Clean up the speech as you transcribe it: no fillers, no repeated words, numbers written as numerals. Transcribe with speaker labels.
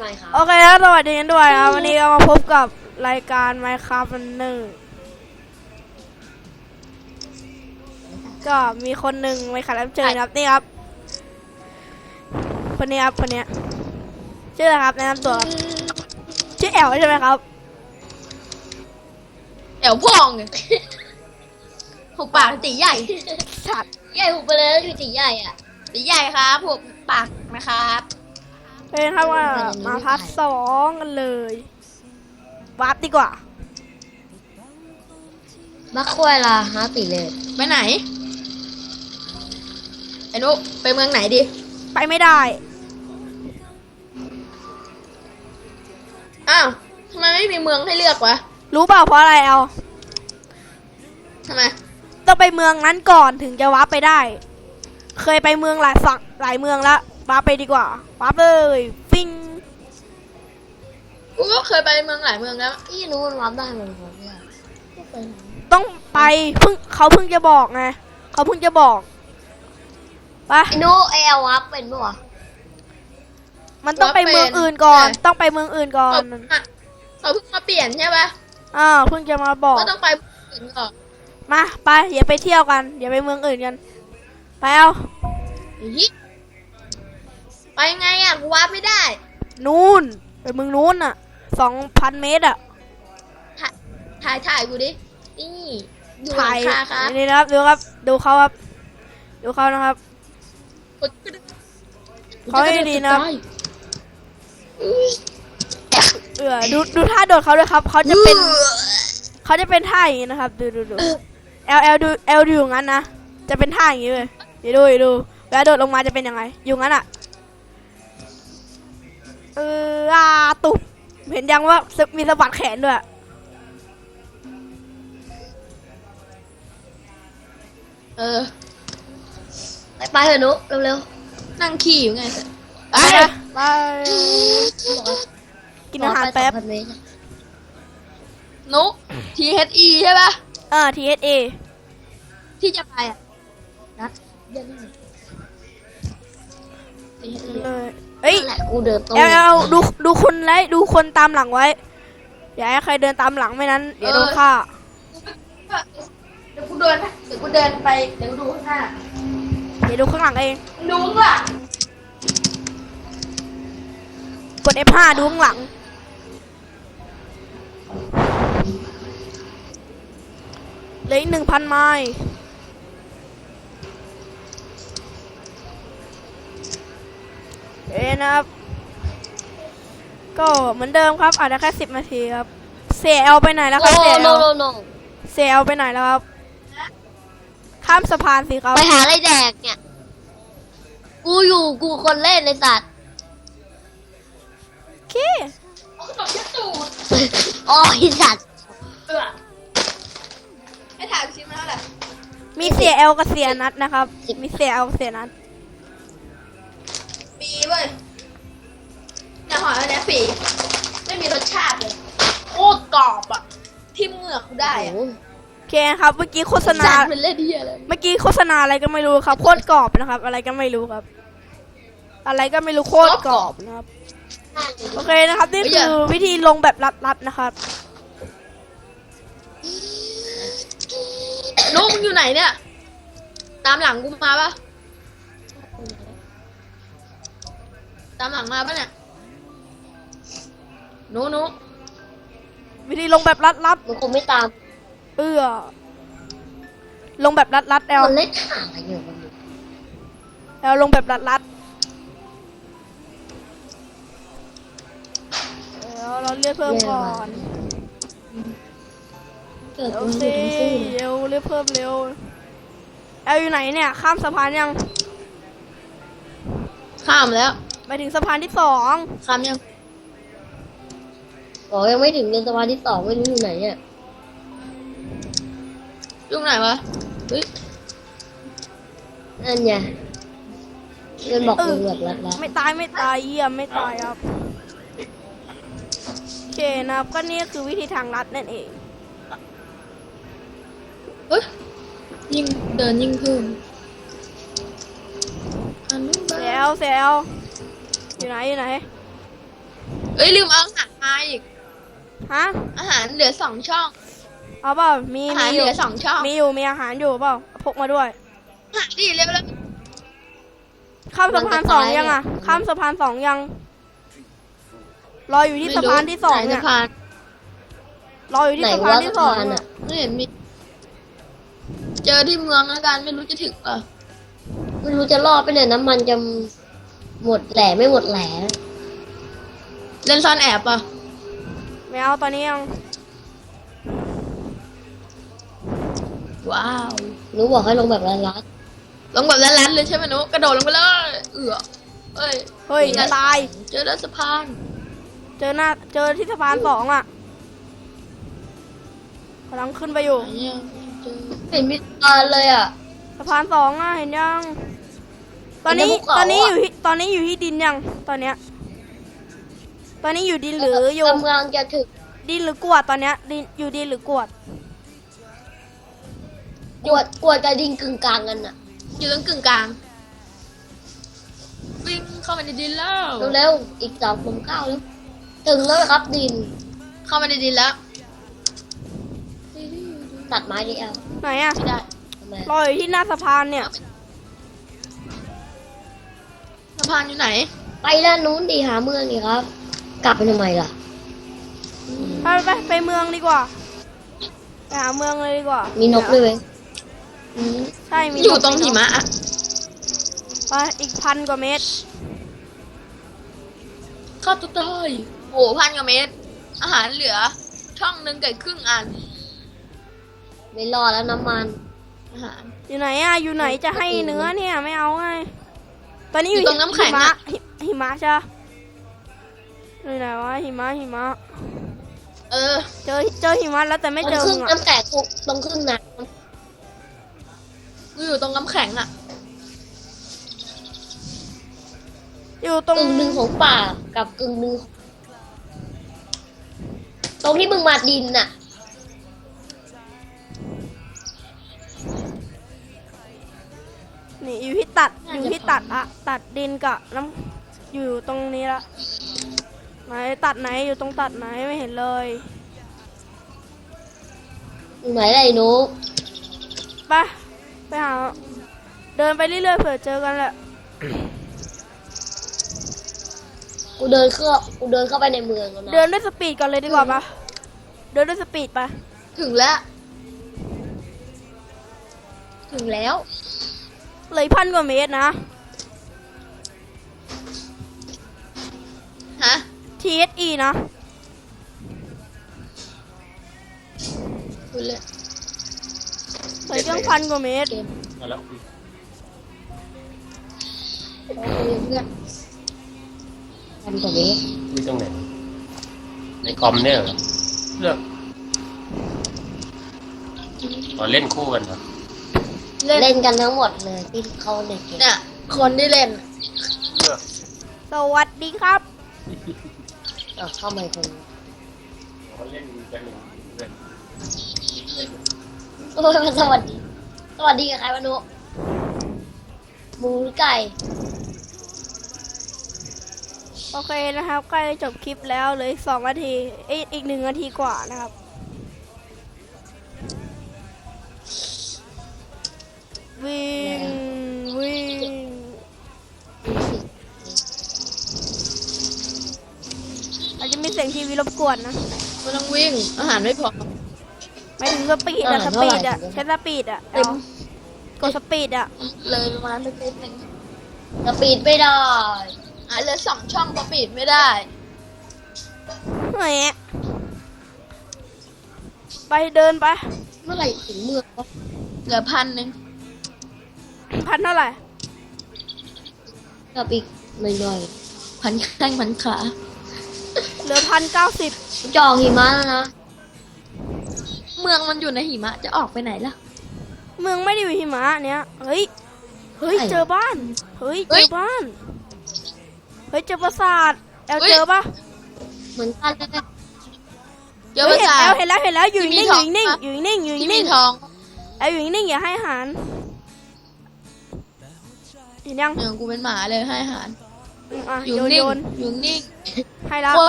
Speaker 1: ไหมครับ
Speaker 2: โอเคแล้วสวัสดีกันด้วยครับวันนี้ก็มาพบกับรายการ Minecraft Runner ก็มีคนหนึ่งไม่ขัดรับเชิญครับนี่ครับคนนี้ครับคนนี้ชื่ออะไรครับแนะนำตัวครับชื่อแอลใช่ไหมครับ
Speaker 3: แอวพองไงหุบปากตีใหญ่
Speaker 2: สัตว์
Speaker 1: ใหญ่หุบไปเลยคือตีใหญ่อ่ะ
Speaker 3: ตีใหญ่ครับหุบปากนะครับ
Speaker 2: เป็นครับว่ามาพาร์ท2กันเลยวาร์ปดีกว่า
Speaker 1: บักควายล่ะฮะตีเลย
Speaker 3: ไปไหนไอ้นุไปเมืองไหนดี
Speaker 2: ไปไม่ได้
Speaker 3: อ้าวทำไมไม่มีเมืองให้เลือกวะ
Speaker 2: รู้เปล่าเพราะอะไรแอล
Speaker 3: ทำไม
Speaker 2: ต้องไปเมืองนั้นก่อนถึงจะวาร์ปไปได้ เคยไปเมืองหลายฝั่งหลายเมืองแล้ววาร์ปไปดีกว่าวาร์ปเลยฟิง
Speaker 3: กูก็เคยไปเมืองหลายเมืองแล้ว
Speaker 1: พี่รู้มันวับได้เหมือนผมเนี่ย
Speaker 2: ต้องไปเขาเพิ่งจะบอกไงเขาเพิ่งจะบอกไป
Speaker 1: ไอ้โน้ไอเอลวับเป็นปะวะ
Speaker 2: มันต้องไปเมืองอื่นก่อน ต้องไปเมืองอื่นก่อน
Speaker 3: เขาเพิ่งมาเปลี่ยนใช่ปะ
Speaker 2: เพิ่งจะมาบอก
Speaker 3: ก็ต้องไปเมืองอื่นก่อน
Speaker 2: มาไปอย่าไปเที่ยวกันอย่าไปเมืองอื่นกันไปเอา
Speaker 3: อีไปไงอ่ะกูวาร์ปไม่ได้
Speaker 2: นู่นไปเมืองนู้นอ่ะ2,000 เมตรอ่ะ
Speaker 3: ถ่ายกูดินี่ดูหลั
Speaker 2: ถ่าง ย
Speaker 3: คาครับ
Speaker 2: นี่นะครับดูครับดูเขาครับดูเขานะครับเขาให้ดีนะครับดูท่าโดดเขาด้วยครับเขาจะเป็นท่าอย่างนี้นะครับดูL ดูอย่างนั้นนะจะเป็นท่าอย่างนี้เลยอย่าดูแล้วโดดลงมาจะเป็นยังไงอยู่งั้นอ่ะตุบเห็นยังว่ามีสะบัดแขนด้วย
Speaker 1: ไปเถอะนุเร็ว
Speaker 3: นั่งขี่อยู่ไง
Speaker 2: ไปไป
Speaker 1: ๆ
Speaker 2: กินอาหารแป๊บ
Speaker 1: 2,000 เมตร
Speaker 3: นุ THE ใช่ปะ
Speaker 2: TSA
Speaker 3: ที่จะไปอ่ะ
Speaker 1: นัดเดี๋ยวนี้
Speaker 2: เลยเอ้ย
Speaker 1: นั่นแหละกูเดินตรง
Speaker 2: เอาดูคนไว้ดูคนตามหลังไว้อย่าให้ใครเดินตามหลังไม่นั้นเดี๋ยวโดนฆ่า
Speaker 3: เดี๋ยวกูเดินไปเดี๋ยวกูดูข้างหน้า
Speaker 2: เดี๋ยวดูข้างหลังเอง
Speaker 3: ดูข้างหลัง
Speaker 2: กด F5 ดูข้างหลังเหลืออีก 1,000 ไมล์นะครับก็เหมือนเดิมครับอาจจะแค่10 นาทีครับเสียเอาไปไหนแล้วครับเสีย
Speaker 1: โน
Speaker 2: เสียเอาไปไหนแล้วครับข้ามสะพานสิครับ
Speaker 1: ไปหาอะไรแดกเนี่ยกูคนเล่นในสัตว์
Speaker 2: โอเค
Speaker 3: ตบยัดตูด
Speaker 1: โอ้ยสัตว์
Speaker 3: ให้ถ่ายชิ้นมาเท่าไหร่
Speaker 2: มีเสียเอลกับเสียนัดนะครับมีเสียเอลกับเสียนัด
Speaker 3: ปีเว้ยเนี่ยหอยอันเนี้ยปีไม่มีรสชาติเลยโคตรกรอบอ่ะทิ่มเหงือกกูได้อ่ะ
Speaker 1: โอ้ย
Speaker 2: โอเคครับเมื่อกี้โฆษณา
Speaker 3: จานเป็นเล่นเดียเลย
Speaker 2: เมื่อกี้โฆษณาอะไรก็ไม่รู้ครับโคตรกรอบนะครับ อะไรก็ไม่รู้ครับ อะไรก็ไม่รู้โคตรกรอบนะครับโอเคนะครับนี่คือวิธีลงแบบลัดๆนะครับ
Speaker 3: นุ๊กมึงอยู่ไหนเนี่ยตามหลังกูมาปะตามหลังมาปะเนี่ยนุ๊ก
Speaker 2: วิธีลงแบบลัด
Speaker 1: มันคงไม่ตาม
Speaker 2: ลงแบบลัดแอล
Speaker 1: คนเล่นหาอะไรอยู่มัน
Speaker 2: แอลลงแบบลัดแล้วเราเรียกเพิ่มก่อน
Speaker 1: เกิด
Speaker 2: เร็
Speaker 1: กู
Speaker 2: ว
Speaker 1: ไม่
Speaker 2: สิ
Speaker 1: ได้สู้
Speaker 2: เร็วเรียกเพิ่มเร็วแอลอยู่ไหนเนี่ยข้ามสะพานยัง
Speaker 3: ข้ามแล้ว
Speaker 2: ไปถึงสะพานที่2
Speaker 3: ข้ามยัง
Speaker 1: บอกยังไม่ถึงเดือนสะพานที่ 2ไม่รู้อยู่ไหนเนี่ย
Speaker 3: อยู่ไหนวะเฮ้ย
Speaker 1: นั่นไงเงินบอกมึงแบบรัด
Speaker 2: ไม่ตายเยี่ยมไม่ตายครับโอเคนะครับก็นี่คือวิธีทางลัดนั่นเอง
Speaker 3: เฮ้ยยิ่งเดินยิ่งเพิ่มอันนู้นบ้า
Speaker 2: เซลอยู่ไหน
Speaker 3: อ้ยลืมเอาอาหารมาอีก
Speaker 2: ฮะ
Speaker 3: อาหารเหลือ2 ช่อง
Speaker 2: เอาเปล่ามี
Speaker 3: อาหาร
Speaker 2: มี
Speaker 3: เห
Speaker 2: อ
Speaker 3: ลื
Speaker 2: ยู่
Speaker 3: อ2 ช่อง
Speaker 2: มีอาหารอยู่เปล่าพกมาด้วย
Speaker 3: อาหารดิเร็วแล้ว
Speaker 2: ข้ามสะพานสองยังอ่ะ ข้ามสะพานสองยัง รออยู่ที่สะพานที่สอง
Speaker 3: ไห
Speaker 2: เนี่
Speaker 3: สะ
Speaker 2: ย
Speaker 3: พาน
Speaker 2: รออยู่ที่
Speaker 1: ไหน
Speaker 2: สะพาน
Speaker 1: ว่า
Speaker 2: ที่
Speaker 1: สะ
Speaker 2: สอง
Speaker 1: พาน
Speaker 2: อะ
Speaker 1: อ่ะ
Speaker 3: ไม่เห็นมี เจอที่เมืองแล้วกันไม่รู้จะถึงป่ะ
Speaker 1: ไม่รู้จะรอดไปเนี่ยน้ำมันจะหมดแหล่ไม่หมดแหล่
Speaker 3: เล่นซ่อนแอบป่ะ
Speaker 2: ไม่เอาตอนนี้ยัง
Speaker 3: ว้าว
Speaker 1: หนูบอกให้ลงแบบรัด
Speaker 3: ลงแบบแรนๆเลยใช่ไหมนุกระโดดลงไปเลยเอ้ย
Speaker 2: เฮ้ย
Speaker 3: นี่ไง
Speaker 2: ตาย
Speaker 3: เจอแล้วสะพาน
Speaker 2: เจอที่สะพานสองอ่ะกำลังขึ้นไปอยู่
Speaker 3: ไหนเนี่ยเจอ
Speaker 1: ๆเห็นมีตาเลยอ่ะ
Speaker 2: สะพานสองอ่ะเห็นยัง ตอนนี้
Speaker 1: เห็นในภูเขา
Speaker 2: ตอนนี้
Speaker 1: อะ
Speaker 2: อยู่ที่ดินยังตอนเนี้ย ตอนนี้อยู่ดินหรืออยู่
Speaker 1: กำลังจะถึง
Speaker 2: ดินหรือกวดตอนเนี้ยดินอยู่ดินหรือกวด
Speaker 1: กวดกับดินกึ่งกลางกันอ่ะ
Speaker 3: อยู่ตรงกึ่งกลางวิ่งเข้าไปในดินแล้ว
Speaker 1: เร็วๆอีก2 9แล้วถึงแล้วครับดิน
Speaker 3: เข้ามาในดินแล้ว
Speaker 1: ตัดไม้ดิแอล
Speaker 2: ไหนอ่ะ
Speaker 3: ไม่ได้
Speaker 1: ทำไม
Speaker 2: รออยู่ที่หน้าสะพานเนี่ย
Speaker 3: สะพานอยู่ไหน
Speaker 1: ไปด้านนู้นดีหาเมืองดีครับ กลับไปทำไมล่ะ
Speaker 2: ไปเมืองดีกว่าไปหาเมืองเลยดีกว่า
Speaker 1: มี
Speaker 2: มี
Speaker 1: นกด้วยเว้ย
Speaker 2: ใช่มี
Speaker 3: อยู่
Speaker 2: นก
Speaker 3: ตรงหิมะอะ
Speaker 2: ไปอีก1,000 กว่าเมตร
Speaker 3: เข้าตัวเตยโอ้1,000 กว่าเมตร อาหารเหลือ ช่องหนึ่งกับครึ่งอัน
Speaker 1: ไม่รอดแล้วน้ำมัน
Speaker 3: อาหาร
Speaker 2: อยู่ไหนอ่ะอยู่ไหนจะให้เนื้อเนี่ยไม่เอาไงตอนนี้
Speaker 3: อยู่ตรงน้ำแข็ง
Speaker 2: หิมะ
Speaker 3: อะ
Speaker 2: หิมะใช่ปะอยู่ไหนวะหิมะ
Speaker 3: เออ
Speaker 2: เจอหิมะแล้วแต่ไม่เจอ
Speaker 1: ครึ่
Speaker 2: มึ
Speaker 1: ง
Speaker 2: งอ่ะ
Speaker 1: น้ำแตกตรงครึ่งน้
Speaker 3: กูอยู่ตรงน้ำแข็งอะ
Speaker 2: อยู่ตรง
Speaker 1: ำกึ่งหนึ่งของป่ากับกึ่งหนึ่งตรงที่มึงมาดินน่ะ
Speaker 2: นี่อยู่ที่ตัดอะตัดดินกับน้ำอยู่ตรงนี้ละไหนตัดไหนอยู่ตรงตัดไหนไม่เห็นเลย
Speaker 1: ไหนไรหนู
Speaker 2: ไปหาเดินไปเรื่อยๆเผื่อเจอกันแหละ
Speaker 1: กูเดินเข้าไปในเมืองแล้วนะ
Speaker 2: เดินด้วยสปีดก่อนเลยดีกว่าปะเดินด้วยสปีดปะ
Speaker 3: ถึงแล้ว ถึงแล้ว
Speaker 2: เหลย1,000 กว่าเมตรนะ
Speaker 3: ฮะ
Speaker 2: TSE นะ
Speaker 3: คุณเลย
Speaker 2: เหลยตั้ง1,000 กว่าเมตร
Speaker 4: เอาแล้ว
Speaker 1: เพื่อนทำตัวนี้
Speaker 4: คุยตรงไหนในคอมเนี่ยเหรอเลือกขอเล่นคู่กันเหรอ
Speaker 1: เล่นกันทั้งหมดเลยที่เข้าในเกม
Speaker 3: เนี่ย คนที่เล่น
Speaker 4: เลือก
Speaker 2: สวัสดีครับ
Speaker 1: เข้ามาคน
Speaker 4: ขอเล่นกันหนึ่งเล่น
Speaker 1: โอ้ยมันสวัสดีกับใครวะหนูหมูหรือไก่
Speaker 2: โอเคนะครับใกล้จะจบคลิปแล้วเหลย2 นาทีอีก1 นาทีกว่านะครับ วิ่งอาจจะมีเสียงทีวีรบกวนนะ
Speaker 3: ไม่ต้องวิ่ง อาหารไม่พอ
Speaker 2: ไม่ถึงสปีดอะใช้สปีดอะ
Speaker 3: เต็ม
Speaker 2: กดสปีดอะ
Speaker 3: เลยประมาณเล็กๆหนึ่ง
Speaker 1: สปีดไม่ได้
Speaker 3: เหลือ2 ช่องก็ปิดไม่ได้
Speaker 2: แหมไปเดินไป
Speaker 1: เมื่อไหร่ถึงเมืองวะ
Speaker 3: เหลือ1,000
Speaker 2: 1,000 เท่าไหร่
Speaker 1: กับอีกหน่อย
Speaker 3: พันแข้งพันขา
Speaker 2: เหลือ1,090
Speaker 1: ๆจองหิมะแล้วนะ
Speaker 3: เมืองมันอยู่ในหิมะจะออกไปไหนล่ะ
Speaker 2: เมืองไม่ได้อยู่หิมะเนี้ยเฮ้ยเจอบ้านเฮ้ยเจอบ้านเฮ้ยเจอปราสาทเจอปะ
Speaker 1: เหมือนกันเลย
Speaker 3: เจอภาษา
Speaker 2: เห็นแล้วอยู่นิ่งอยู่นิ่งอยู่นิ่ง
Speaker 3: ที่มีทอง
Speaker 2: อยู่นิ่งอย่าให้อาหารเห็นยัง
Speaker 3: อย่างกูเป็นหมาเลยให้อาหาร
Speaker 2: อ่ะ
Speaker 3: อยู่
Speaker 2: โย
Speaker 3: นิ่ง
Speaker 2: น
Speaker 3: อยู่นิ่ง
Speaker 2: ให้แล้ว
Speaker 3: โคตร